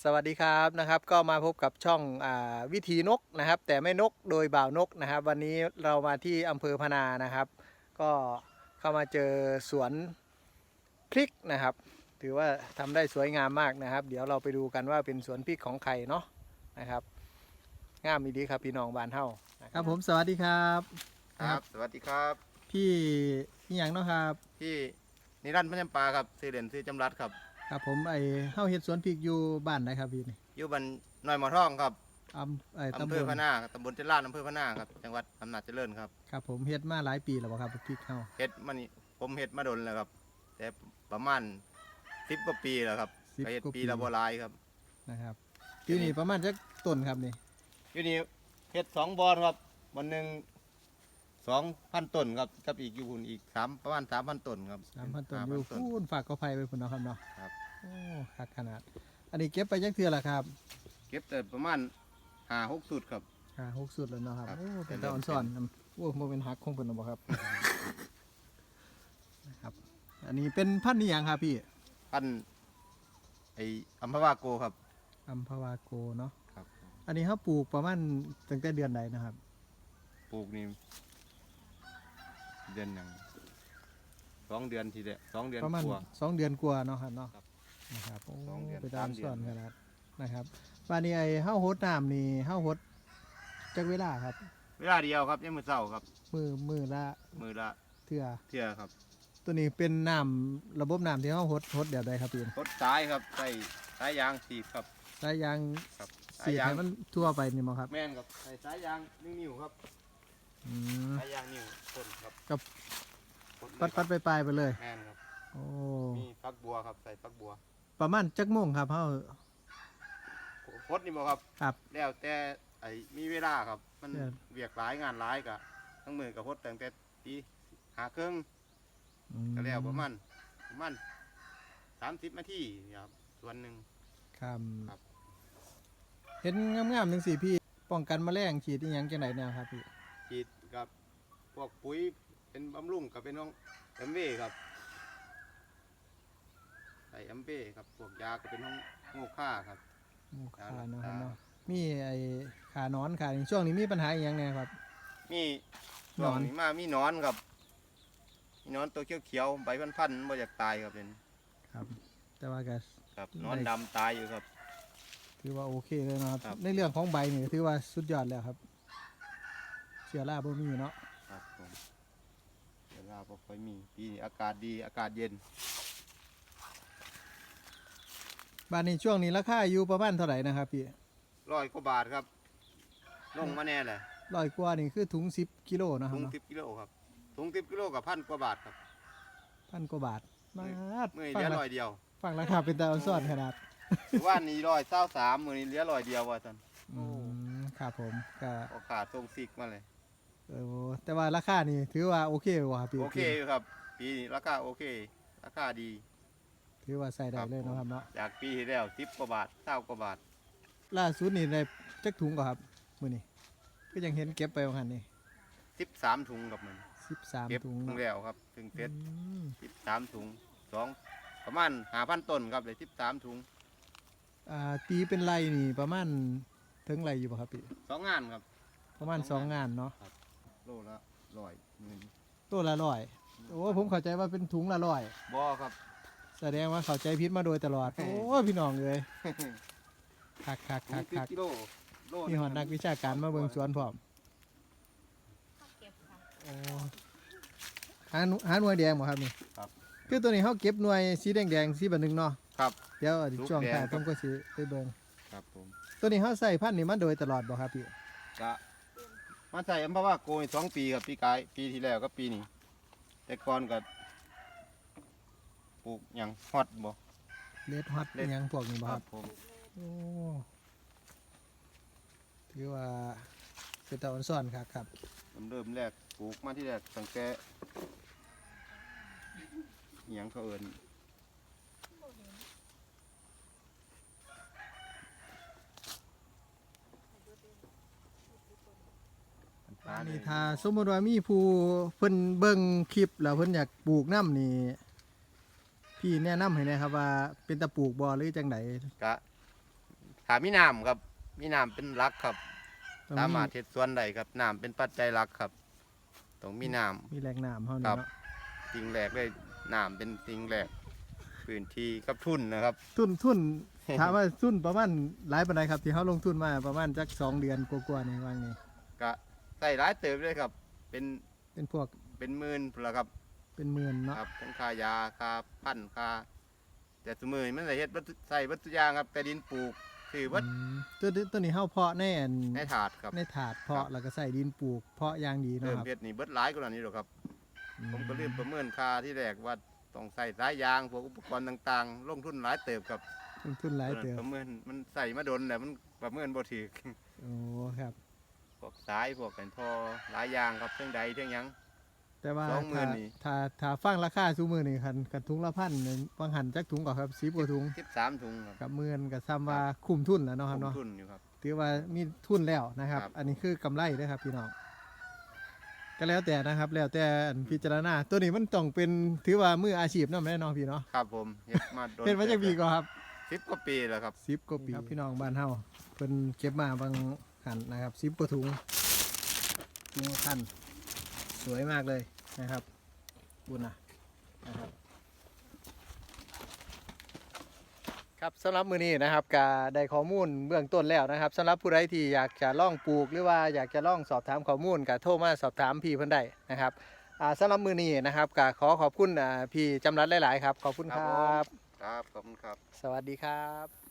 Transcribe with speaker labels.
Speaker 1: สวัสดีครับก็มาพบกับช่องวิธีนกนะครับแต่ไม่นกโดยบ่าวนกนะครับวันนี้เรามาที่อำเภอพนานะครับก็เข้ามาเจอสวนพริกนะครับถือว่าทำได้สวยงามมากนะครับเดี๋ยวเราไปดูกันว่าเป็นสวนพริกของใครเนาะนะครับงามดีครับพี่น้องบ้านเฮาครับผมสวัสดีครับ
Speaker 2: ครับสวัสดีครับ
Speaker 1: พี่นี่อย่างเนาะครับ
Speaker 2: พี่นิรันดร์พญปาครับซื้อเหรียญซื้อจำรัดครับ
Speaker 1: ครับผมเฮาเฮ็ดสวนพริกอยู่บ้านไหนครับพี่นี่
Speaker 2: อยู่บ้านหน่อยหมอท่องครับ
Speaker 1: ตำ
Speaker 2: อำเภ
Speaker 1: บล
Speaker 2: อพะนาตำบลเจริญอำเภอพะนาครับจังหวัดอำนาจเจริญครับ
Speaker 1: ครับผมเฮ็ดมาหลายปีแล้วบ่ครับพริกเฮา
Speaker 2: เฮ็ดมานี่ผมเฮ็ดมาดนแล้วครับแต่ประมาณ10 กว่าปีแล้วครับก็เฮ็ดปีละบ่หลายครับ
Speaker 1: นะครับปีนี้ประมาณจักต้นครับนี่
Speaker 2: อยู่นี่เฮ็ด2บ่อครับบ่อนหนึง2,000 ต้นครับกับอีกอยู่พุ่นอีกประมาณ 3,000 ต้นครับ
Speaker 1: 3,000 ต้นอยู่พูนฝากก็ไผไปพุ่นเนาะครับเนาะ
Speaker 2: ครับ
Speaker 1: โอ้คักขนาดอันนี้เก็บไปจักเทื่อละครับ
Speaker 2: เก็บแต่ประมาณ5-6 สุดครับ
Speaker 1: 6สุดแล้วเนาะครับ
Speaker 2: ครับ
Speaker 1: โอ้เป็นตาอ่อนซ่อนโอ้บ่เป็นหักคงเพิ่นบ่ครับนะครับอันนี้เป็นพันธุ์อีหยังครับพี่
Speaker 2: พันธุ์ไอ้อัมพวาโกครับ
Speaker 1: อัมพวาโกเนาะ
Speaker 2: ครับ
Speaker 1: อันนี้เฮาปลูกประมาณตั้งแต่เดือนใดนะครับ
Speaker 2: ปลูกนี่เดือนหนึ่ง2 เดือนทีเดียว2 เดือน
Speaker 1: ประมาณ
Speaker 2: กว่า
Speaker 1: 2 เดือนกว่าเนาะครับเนาะ
Speaker 2: ครับ
Speaker 1: นะครับโอ้
Speaker 2: 2 เดือน
Speaker 1: เป็นตาอ่อนซ่อน
Speaker 2: 3 เดือน
Speaker 1: ขนาดนะครับว่านี่เฮาโฮดน้ำนี่เฮาโฮดจักเวลาครับ
Speaker 2: เวลาเดียวครับยังมือเช้าครับ
Speaker 1: มือละ
Speaker 2: มือละ
Speaker 1: เทื่อ
Speaker 2: ครับ
Speaker 1: ตัวนี้เป็นน้ำระบบน้ำที่เขาหดแบบใดครับพี่
Speaker 2: รถสายครับใส่สายยางสีบครับ
Speaker 1: สายยาง
Speaker 2: ครับสาย
Speaker 1: สีด
Speaker 2: ยาง
Speaker 1: ให้มันทั่วไปนี่มั้งครับ
Speaker 2: แม่นครับใส่สายยางนิ้วครับสายยางนิ้วต้นครับ
Speaker 1: กับ
Speaker 2: ปั
Speaker 1: ปัดไปไปเลย
Speaker 2: แม่นครับ
Speaker 1: โอ้
Speaker 2: มีฟักบัวครับใส่ฟักบัว
Speaker 1: ประมาณจักโมงครับเขา
Speaker 2: พดนี่บ่ครับ
Speaker 1: ครับ
Speaker 2: แล้วแต่มีเวลาครับมันเวียกหลายงานหลายกะทั้งมือกับพดตั้งแต่ตี5 ครึ่งก็แล้วประมาณ30 นาทีครับส่วนหนึ่ง
Speaker 1: ครับ
Speaker 2: ครับ
Speaker 1: เห็นงามๆหนึ่งสิพี่ป้องกันแมลงฉีดที่ยังจังไหนเนี่ยครับพี่
Speaker 2: ฉีดกับพวกปุ๋ยเป็นบำรุงกับเป็นน้องแอมเบ้ครับใส่แอมเบ้ครับพวกยาก็เป็นน้องโง่ค่าครับ
Speaker 1: หมูขาเนาะครับเนาะมีขานอนขาช่วงนี้มีปัญหาอย่างไงครับ
Speaker 2: มีช่วงนี้มีนอนครับมีนอนตัวเขียวๆใบพันๆบ่อยากตายครับเป็น
Speaker 1: ครับแต่ว่าก็
Speaker 2: ครับนอนดำตายอยู่ครับ
Speaker 1: ถือว่าโอเคเลยนะครับในเรื่องของใบนี่ถือว่าสุดยอดแล้วครับเชื้อราบ่มีเนาะ
Speaker 2: ครับผมเวลาบ่ค่อยมีปีนี้อากาศดีอากาศเย็น
Speaker 1: บ้านนี้ช่วงนี้ราคาอยู่ประมาณเท่าไหร่นะครับพี่
Speaker 2: 100 กว่าบาทครับลงมาแน่เลย
Speaker 1: 100 กว่านี่คือถุง10 กิโลนะครับ
Speaker 2: ถุง10 กิโลครับถุง10 กิโลกับ1,000 กว่าบาทครับ
Speaker 1: 1,000 กว่าบาทมา
Speaker 2: มือเหลือ100 เดียว
Speaker 1: ฟังราคาเป็นตาอันซ่อนขนาด
Speaker 2: ว่านี้123มือนี้เหลือ100 เดียวว่าท่าน
Speaker 1: ครับผมก็
Speaker 2: ขาดทรงซิกมาเลย
Speaker 1: แต่ว่าราคานี่ถือว่าโอเคว่ะพี่
Speaker 2: โอเคครับปีนี้ราคาโอเคราคาดี
Speaker 1: ถือว่าใส่ได้เลยนะครับเนาะ
Speaker 2: จากปีที่แล้ว10 กว่าบาท20 กว่าบาท
Speaker 1: ล่าสุดนี่ได้จักถุงก่อนครับมื้อนี้ก็ยังเห็นเก็บไปว่าหั่นนี่
Speaker 2: 13 ถุงกับมัน
Speaker 1: 13 ถุง
Speaker 2: แล้วครับถึงเสร็จ13 ถุงประมาณ5,000 ต้นครับเลย13 ถุง
Speaker 1: ตีเป็นไรนี่ประมาณถึงไรอยู่ป่ะครับพี่
Speaker 2: 2 งานครับ
Speaker 1: ประมาณ2 งานเนาะ
Speaker 2: โลละ100
Speaker 1: ตัวละ100โอ้ผมเข้าใจว่าเป็นถุงละ100
Speaker 2: บ่ครับ
Speaker 1: แสดงว่าเข้าใจผิดมาโดยตลอดโอ้พี่น้องเลยคักนี่หอดนักวิชาการมาเบิ่งสวนพร้อมหาหน่วยแดงบ่ครับนี่
Speaker 2: ครับ
Speaker 1: คือตัวนี้เขาเก็บหน่วยสีแดงสีแบบนึงเนาะ
Speaker 2: ครับ
Speaker 1: เดี๋ยวช่วงท้ายผมก็สิไปเบิ่ง
Speaker 2: ครับผม
Speaker 1: ตัวนี้เขาใส่พันธุ์นี่มาโดยตลอดบ่ครับพี่
Speaker 2: กะมาใส่อัมพวาโกย2 ปีครับปีที่แล้วก็ปีนี้แต่ก่อนก็ปลูกอย่างฮอตบ่
Speaker 1: เลดฮอตยังพวกนี้บ่ครับ
Speaker 2: ผม
Speaker 1: โอ้ถือว่าเป็นตาอ่อนซ่อนครับ
Speaker 2: เริ่มแรกปลูกมาที่แรกตั้งแต่อย่างเขาเอิ้น
Speaker 1: นี่ถ้าสมมติว่ามีผู้เพิ่นเบิ่งคลิปแล้วเพิ่นอยากปลูกน้ำนี่พี่แนะนำให้นะครับว่าเป็นตะปลูกบ่หรือจังได
Speaker 2: กะถ้ามีน้ำครับมีน้ำเป็นหลักครับ
Speaker 1: ต้อง
Speaker 2: สามารถเฮ็ดสวนได้ครับน้ำเป็นปัจจัยหลักครับต้องมีน้ำ
Speaker 1: มีแหล่งน้ำเฮา
Speaker 2: ค
Speaker 1: นี่
Speaker 2: รับ
Speaker 1: เนาะ
Speaker 2: สิ่งแรกเลยน้ำเป็นสิ่งแรกพื้นที่กับทุนนะครับ
Speaker 1: ทุน ถามว่าทุนประมาณหลายปานใดครับที่เฮาลงทุนมาประมาณจัก2เดือนกว่าๆนี่ว่างี้
Speaker 2: ก็ใส่หลายเติบเลยครับ เป็น
Speaker 1: เป็นพวก
Speaker 2: เป็นหมื่นพุ่นละครับ
Speaker 1: เป็นหมื่นเนาะ
Speaker 2: ครับทั้งค่ายาค่าพันธุ์ค่าแต่สมือนี้มันใส่เฮ็ดวัตถุใส่วัตถุกอย่างครับแต่ดินปลูกคือวัด
Speaker 1: ตัวนี้เฮาเพาะในอัน
Speaker 2: ในถาดครับ
Speaker 1: ในถาดเพาะแล้วก็ใส่ดินปลูกเพาะอย่างดีเนาะ
Speaker 2: เริ่ม
Speaker 1: ครับ
Speaker 2: เฮ็ดนี่เบิดหลายกว่านี้หรอกครับ ผมก็ลืมประเมินค่าที่แรกว่าต้องใส่สายยางพวกอุปกรณ์ต่างๆ ลงทุนหลายเติบครับ
Speaker 1: ลงทุนหลายเติบ
Speaker 2: ประเมินมันใส่มาโดนแต่มันประเมินบ่ถูก
Speaker 1: โอ้ครับ
Speaker 2: พวกสายพวกกันพอหลายอย่างครับเท่งใดเท่งหยัง
Speaker 1: แต่ว่า
Speaker 2: 20,000นี่
Speaker 1: ถ้าฟังราคาซุมื้อนี่คันถุงละพันนี่บางหันจักถุงก็ครับ10กว่าถุง
Speaker 2: 13ถุงครับ
Speaker 1: กับหมื่นก็ซ้ำว่าคุ้มทุนแล้วเนาะครับ
Speaker 2: ล
Speaker 1: เนาะ
Speaker 2: งทุนอยู่ครับ
Speaker 1: ถือว่ามีทุนแล้วนะครับ
Speaker 2: ครับ
Speaker 1: อันนี้คือกำไรนะครับพี่น้องก็แล้วแต่นะครับ แล้วแต่อันพิจารณาตัวนี้มันต้องเป็นถือว่ามืออาชีพเนาะแม่น้องพี่เนาะ
Speaker 2: ครับผมเฮ็ดมาโดน
Speaker 1: เป็นมาจากปีก็ครับ
Speaker 2: 10 กว่าปีแล้วครับ
Speaker 1: 10กว่าปีครับพี่น้องบ้านเฮาเพิ่นเก็บมาบางหันนะครับ10กว่าถุงละพันสวยมากเลยนะครับบุญนะครับครับสำหรับมื้อนี้นะครับก็ได้ข้อมูลเบื้องต้นแล้วนะครับสำหรับผู้ใดที่อยากจะล่องปลูกหรือว่าอยากจะล่องสอบถามข้อมูลก็โทรมาสอบถามพี่เพิ่นได้นะครับสำหรับมื้อนี้นะครับก็ขอขอบคุณพี่จำรัดหลายๆครับขอบคุณค
Speaker 2: ครั
Speaker 1: รับ
Speaker 2: ครับขอบคุณครับ
Speaker 1: สวัสดีครับ